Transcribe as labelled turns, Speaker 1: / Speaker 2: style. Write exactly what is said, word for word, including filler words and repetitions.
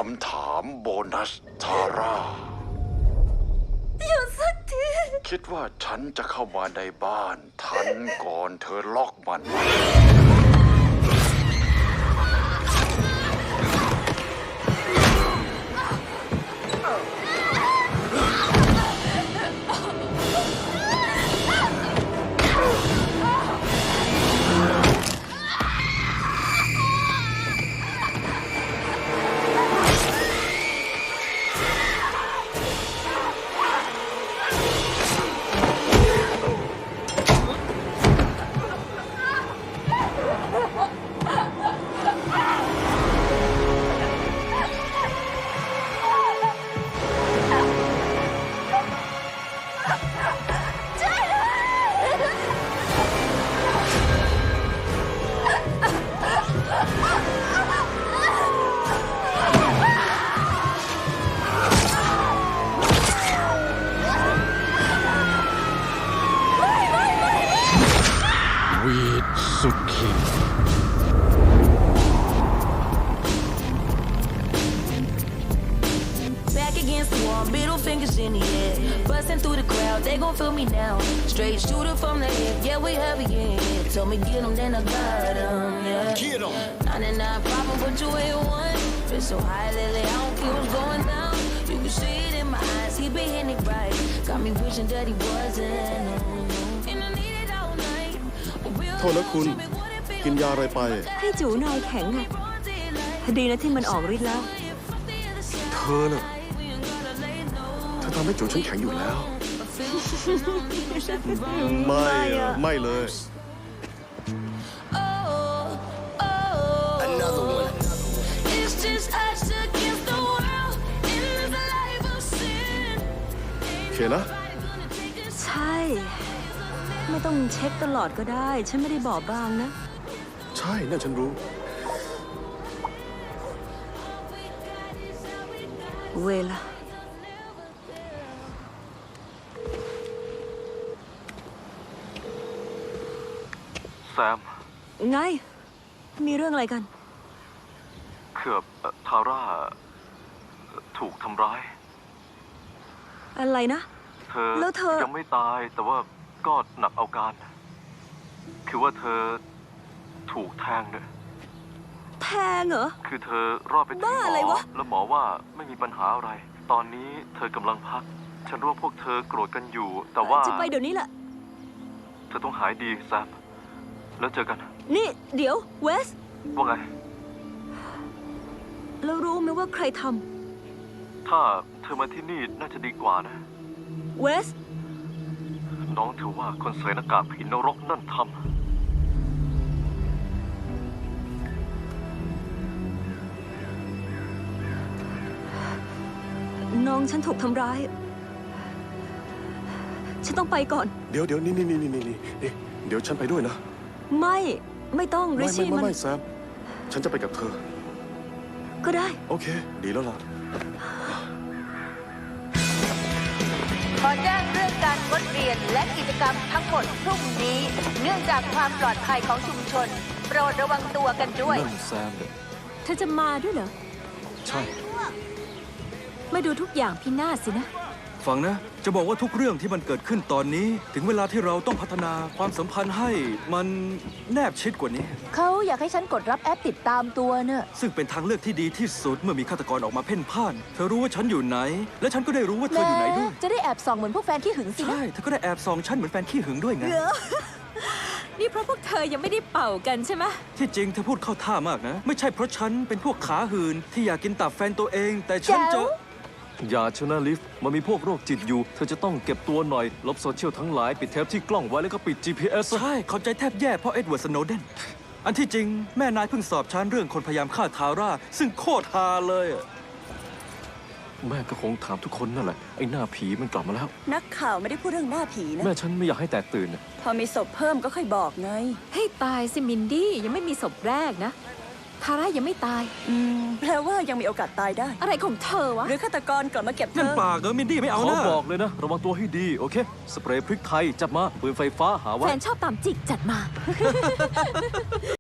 Speaker 1: ำถามโบนัสทาร่า
Speaker 2: หยุดสักที
Speaker 1: คิดว่าฉันจะเข้ามาในบ้านทันก่อนเธอล็อกมันวีดสุขี
Speaker 3: Back against the wall, middle fingers in the air. Busting through the crowd, they gon' feel me now. Straight shooter from the hip, yeah, we heavy in here. Told me get them, then I got them, yeah.
Speaker 1: Get them.
Speaker 3: ninety-nine problem, but you ain't one. Feel so high lately, I don't care what's going down. You can see it in my eyes, he been hitting it right. Got me wishing that he wasn't. And I need it all night.
Speaker 4: โทษนะคุณกินยาอะไรไป
Speaker 2: ให้จูนายแข็งไงดีนะที่มันออกฤทธิ์แล้ว
Speaker 4: เธอน่ะเธอทำให้จูฉันแข็งอยู่แล้วไม่ไม่เลย
Speaker 3: Another one. It's just us against the world in this life of sin.
Speaker 4: โอเคนะ
Speaker 2: ใช่ไม่ต้องเช็คตลอดก็ได้ฉันไม่ได้บอบบางนะ
Speaker 4: ใช่นั่นฉันรู้
Speaker 2: เวลา
Speaker 5: แซม
Speaker 2: ไงมีเรื่องอะไรกัน
Speaker 5: เกือบทาร่าถูกทำร้าย
Speaker 2: อะไรนะ
Speaker 5: เธอ
Speaker 2: แล้วเธอ
Speaker 5: ยังไม่ตายแต่ว่าก็หนักเอาการคือว่าเธอถูกแทงเนี่ย
Speaker 2: แทงเหรอ
Speaker 5: คือเธอรอดไปถึงหมอแล้วหมอว่าไม่มีปัญหาอะไรตอนนี้เธอกำลังพักฉันรู้ว่าพวกเธอโกรธกันอยู่แต่ว่า
Speaker 2: จะไปเดี๋ยวนี้แหละ
Speaker 5: เธอต้องหายดีแซมแล้วเจอกัน
Speaker 2: นี่เดี๋ยวเวส
Speaker 5: ว่าไง
Speaker 2: แล้วรู้ไหมว่าใครท
Speaker 5: ำถ้าเธอมาที่นี่น่าจะดีกว่านะ
Speaker 2: เวส
Speaker 5: น้องเธอว่าคนใส่หน้ากากผีนรกนั่นทำ
Speaker 2: น้องฉันถูกทำร้ายฉันต้องไปก่อน
Speaker 4: เดี๋ยวเดี๋ยวนี่นี่นี่นี่นี่เดี๋ยวฉันไปด้วยนะ
Speaker 2: ไม่ไม่ต้องริชี่
Speaker 4: มัน
Speaker 2: ไม่
Speaker 4: ไม่แซมฉันจะไปกับเธอ
Speaker 2: ก็ได้
Speaker 4: โอเคดีแล้วล่ะ
Speaker 6: ขอแจ้งเรื่องการงดเรียนและกิจกรรมทั้งหมดพรุ่งนี้เนื่องจากความปลอดภัยของชุมชนโปรดระวังตัวกันด้วย
Speaker 5: นั่นแซม
Speaker 2: เธอจะมาด้วยเหรอ
Speaker 4: ใช่
Speaker 2: มาดูทุกอย่างพินาศสินะ
Speaker 7: ฟังนะจะบอกว่าทุกเรื่องที่มันเกิดขึ้นตอนนี้ถึงเวลาที่เราต้องพัฒนาความสัมพันธ์ให้มันแนบชิดกว่านี้
Speaker 6: เขาอยากให้ฉันกดรับแอปติดตามตัวเนอะ
Speaker 7: ซึ่งเป็นทางเลือกที่ดีที่สุดเมื่อมีฆาตกรออกมาเพ่นพ่านเธอรู้ว่าฉันอยู่ไหนและฉันก็ได้รู้ว่าเธออยู่ไหนด้วย
Speaker 6: จะได้แอบส่องเหมือนพวกแฟนขี้หึงสินะ
Speaker 7: ใช่เธอก็ได้แอบส่องฉันเหมือนแฟนขี้หึงด้วยไง
Speaker 2: นี่เพราะพวกเธอยังไม่ได้เป่ากันใช่ไหม
Speaker 7: ที่จริงเธอพูดเข้าท่ามากนะไม่ใช่เพราะฉันเป็นพวกขาหืนที่อยากกินตับแฟนตัวเองแต่ฉันจะ
Speaker 8: อย่าชนะลิฟต์มันมีพวกโรคจิตอยู่เธอจะต้องเก็บตัวหน่อยลบโซเชียลทั้งหลายปิดเทปที่กล้องไว้แล้วก็ปิด จี พี เอส
Speaker 7: ใช่เข้าใจแทบแย่เพราะเอ็ดเวิร์ด สโนเดนอันที่จริงแม่นายเพิ่งสอบฉันเรื่องคนพยายามฆ่าทาร่าซึ่งโคตรฮาเลย
Speaker 8: แม่ก็คงถามทุกคนนั่นแหละไอ้หน้าผีมันกลับมาแล้ว
Speaker 2: นักข่าวไม่ได้พูดเรื่องหน้าผีนะ
Speaker 8: แม่ฉันไม่อยากให้แตกตื่น
Speaker 2: พอมีศพเพิ่มก็ค่อยบอกไงให้ตายสิมินดี้ยังไม่มีศพแรกนะทาร่ายังไม่ตายอืมแปลว่ายังมีโอกาสตายได้อะไรของเธอวะหรือฆาตกรกลับมาเก็บเธอ
Speaker 7: นั่นปากเออมินดี้ไม่เอา
Speaker 8: นะ
Speaker 7: ข
Speaker 8: อบอกเลยนะระวังตัวให้ดีโอเคสเปรย์พริกไทยจัดมาปืนไฟฟ้าหาไว้
Speaker 2: แฟนชอบตามจิกจัดมา